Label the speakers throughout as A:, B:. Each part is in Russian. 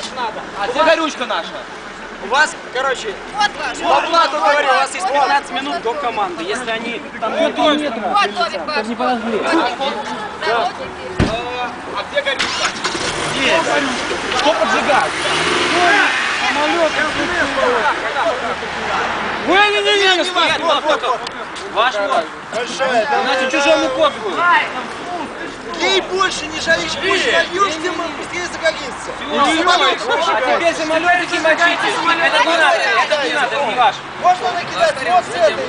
A: Дальше надо.
B: А где горючка наша?
A: У вас, короче, по плану говорю, у вас есть 15 минут до команды. Если они там не метра,
C: Вот Томик ваш.
A: не подожгли.
C: Да.
B: А где горючка?
A: Есть. Что поджигать? Самолет. Не-не-не, ваш вот. Значит, чужому код будет.
D: Ей больше не жалеешь, больше нальешь, тем быстрее загорится.
A: А теперь самолетики мочите. Это не надо, это не ваш.
D: Можно накидать вот с этой.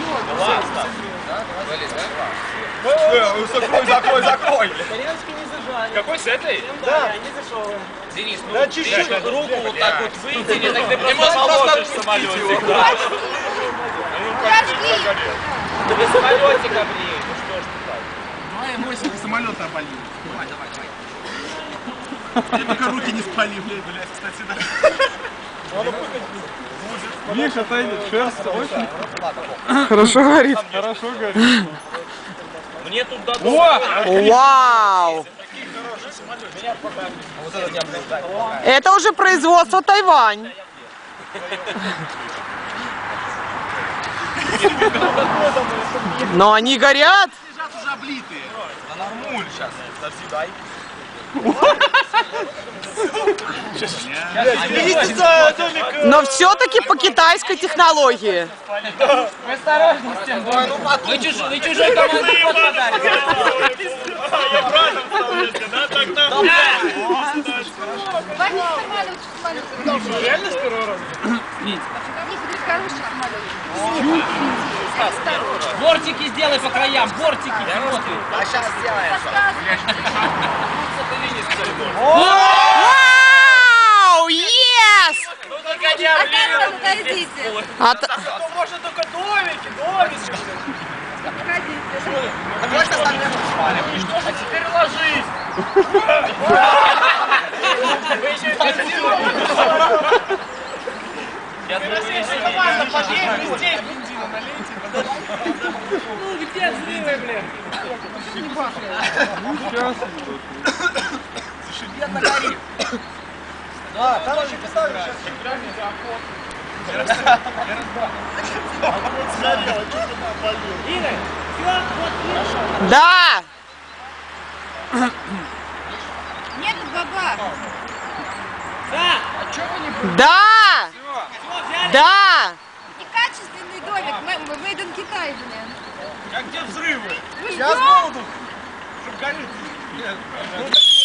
B: Закрой.
A: Итальянский не зажали.
B: Какой с этой?
A: Да, не зашел.
B: Денис, ну
D: Да, чуть-чуть.
B: руку вот так вот вытяни, так ты просто положишь самолетик.
C: Подожди.
B: Ты без самолетика, блин. Ну что ж ты так?
E: Давай эмоции самолета обольем. Давай. Я пока руки не спали, блядь, кстати, да.
F: Миша отойдет, шерсть очень.
G: Хорошо горит.
F: Хорошо горит.
B: Мне тут дадут.
G: Вау! Это уже производство Тайвань. Но они горят.
E: Лежат уже облитые.
B: Да нормуль сейчас. Подожди, дай.
D: Видите за домик?
G: Но все-таки по китайской технологии.
A: Осторожней с тем. Вы чужой команде код подарите.
D: Я правильно вставлю, да? Так-то.
C: Возьми самолет.
D: Реально с первого раза?
C: Нет, это хороший самолет.
A: Бортики сделай по краям, бортики.
D: А сейчас сделаем.
G: Вау! Yes!
D: Ну только не
C: Осторожно, подождите.
D: Ну можно только домики.
C: Подождите.
D: Давай остальные спали. А теперь ложись. Вы еще и фиксируете. Я нормально подъедем здесь. Бензина налейте.
A: Ну где взрывы, блин?
D: Зашибенно горит. Да, там еще поставили сейчас.
A: Игорь, все, вот.
G: Да!
C: Нет, баба.
A: Да.
G: Да! Да!
C: Некачественный домик. Made in Китай, блин.
D: А где взрывы?
C: Вы
D: Сейчас
C: что?
D: будут. Чтоб горит.